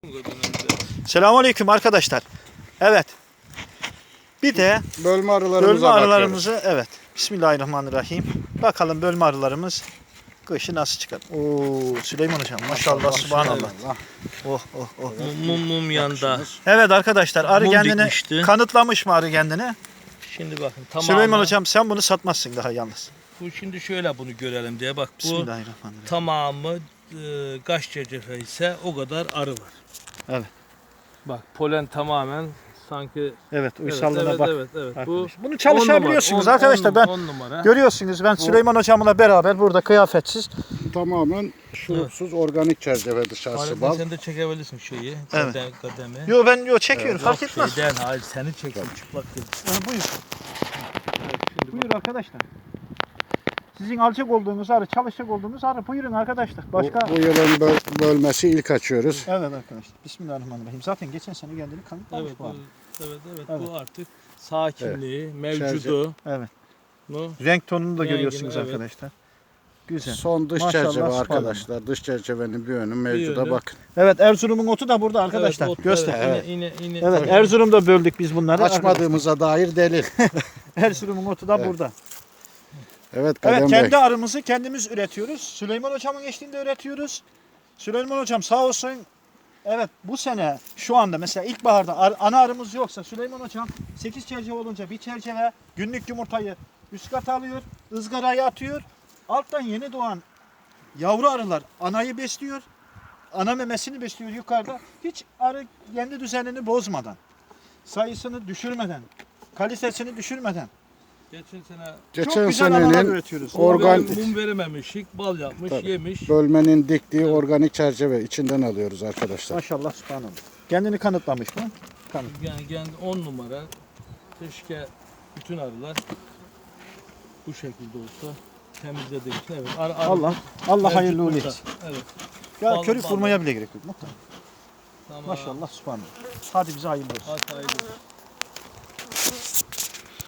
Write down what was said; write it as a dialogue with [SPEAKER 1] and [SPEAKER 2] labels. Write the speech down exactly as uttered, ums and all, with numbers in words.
[SPEAKER 1] Selamünaleyküm arkadaşlar. Evet. Bir de
[SPEAKER 2] bölme arılarımıza
[SPEAKER 1] bölme arılarımızı
[SPEAKER 2] bakıyoruz.
[SPEAKER 1] evet. Bismillahirrahmanirrahim. Bakalım bölme arılarımız kışı nasıl çıkar. Oo Süleyman hocam maşallah, maşallah subhanallah. Oh oh oh.
[SPEAKER 3] Mum mum yanda.
[SPEAKER 1] Evet arkadaşlar arı
[SPEAKER 3] Mum
[SPEAKER 1] kendini
[SPEAKER 3] dikmişti.
[SPEAKER 1] kanıtlamış mı arı kendini?
[SPEAKER 3] Şimdi bakın tamam.
[SPEAKER 1] Süleyman hocam sen bunu satmazsın daha yalnız.
[SPEAKER 3] Bu şimdi şöyle bunu görelim diye bak bu
[SPEAKER 1] Bismillahirrahmanirrahim.
[SPEAKER 3] tamamı e, kaç cecefe ise o kadar arı var.
[SPEAKER 1] Evet.
[SPEAKER 3] Bak polen tamamen sanki
[SPEAKER 1] Evet uysallığına
[SPEAKER 3] evet,
[SPEAKER 1] bak.
[SPEAKER 3] Evet evet evet. Bu
[SPEAKER 1] Bunu çalışabiliyorsunuz
[SPEAKER 3] on numara, on-
[SPEAKER 1] arkadaşlar. Ben
[SPEAKER 3] on numara.
[SPEAKER 1] görüyorsunuz ben Süleyman hocamla beraber burada kıyafetsiz.
[SPEAKER 2] Tamamen şurupsuz organik çerçeve dışarısı
[SPEAKER 3] Halit,
[SPEAKER 2] bal.
[SPEAKER 3] sen de çekebilirsin şeyi.
[SPEAKER 1] Evet.
[SPEAKER 3] Kadem, kademi.
[SPEAKER 1] Yo ben yo çekiyorum
[SPEAKER 3] Yok,
[SPEAKER 1] fark etmez.
[SPEAKER 3] Şeyden, hayır seni çeksin çıplak değil.
[SPEAKER 1] Ha, buyur.
[SPEAKER 3] Evet, şimdi
[SPEAKER 1] Buyur arkadaşlar. Sizin alacak olduğunuz arı, çalışacak olduğunuz arı. Buyurun arkadaşlar.
[SPEAKER 2] Bu,
[SPEAKER 1] Başka?
[SPEAKER 2] bu yılın böl- bölmesi ilk açıyoruz.
[SPEAKER 1] Evet arkadaşlar. Bismillahirrahmanirrahim. Zaten geçen sene kendini kanıtlamış
[SPEAKER 3] Evet,
[SPEAKER 1] bu arı.
[SPEAKER 3] bu, evet, evet,
[SPEAKER 1] Evet.
[SPEAKER 3] bu artık sakinliği, mevcudu.
[SPEAKER 1] Evet.
[SPEAKER 3] mu?
[SPEAKER 1] Renk tonunu da
[SPEAKER 3] Rengini,
[SPEAKER 1] görüyorsunuz
[SPEAKER 3] evet.
[SPEAKER 1] arkadaşlar. Güzel.
[SPEAKER 2] Son dış
[SPEAKER 1] Maşallah,
[SPEAKER 2] çerçeve
[SPEAKER 1] subhanallah.
[SPEAKER 2] arkadaşlar. Dış çerçevenin bir yönü mevcuda
[SPEAKER 3] yönü.
[SPEAKER 2] bakın.
[SPEAKER 1] Evet Erzurum'un otu da burada arkadaşlar.
[SPEAKER 3] Evet, ot-
[SPEAKER 1] Göster.
[SPEAKER 3] Evet,
[SPEAKER 1] Evet,
[SPEAKER 3] yine, yine, yine, tabii.
[SPEAKER 1] Erzurum'da böldük biz bunları.
[SPEAKER 2] Açmadığımıza dair delil.
[SPEAKER 1] Erzurum'un otu da
[SPEAKER 2] Evet.
[SPEAKER 1] burada.
[SPEAKER 2] Evet Kadem
[SPEAKER 1] Evet
[SPEAKER 2] Bey.
[SPEAKER 1] kendi arımızı kendimiz üretiyoruz. Süleyman hocamın eşliğinde üretiyoruz. Süleyman hocam sağ olsun. Evet bu sene şu anda mesela ilkbaharda ar- ana arımız yoksa Süleyman hocam sekiz çerçeve olunca bir çerçeve günlük yumurtayı üst kata alıyor, ızgaraya atıyor. Alttan yeni doğan yavru arılar anayı besliyor. Ana memesini besliyor yukarıda. Hiç arı kendi düzenini bozmadan, sayısını düşürmeden, kalitesini düşürmeden.
[SPEAKER 3] Geçen sene
[SPEAKER 2] Geçen
[SPEAKER 1] Çok güzel arılar
[SPEAKER 2] senenin
[SPEAKER 1] üretiyoruz.
[SPEAKER 2] Organ-
[SPEAKER 3] mum, mum verememişik, bal yapmış,
[SPEAKER 2] Tabii.
[SPEAKER 3] yemiş.
[SPEAKER 2] bölmenin diktiği organik çerçeve içinden alıyoruz arkadaşlar.
[SPEAKER 1] Maşallah subhanallah. Kendini kanıtlamış mı? Kanıt.
[SPEAKER 3] Yani kendi on numara. Keşke bütün arılar bu şekilde olsa temizledik. Evet. Arı, arı
[SPEAKER 1] Allah Allah
[SPEAKER 3] mevcut
[SPEAKER 1] hayırlı uğurlu
[SPEAKER 3] burada.
[SPEAKER 1] etsin.
[SPEAKER 3] Evet.
[SPEAKER 1] Ya
[SPEAKER 3] Bal-
[SPEAKER 1] körük
[SPEAKER 3] bal-
[SPEAKER 1] vurmaya bile gerek yok. Muhtemelen.
[SPEAKER 3] Tamam.
[SPEAKER 1] Maşallah subhanallah. Hadi bize hayırlı olsun.
[SPEAKER 3] Hadi hayırlı olsun.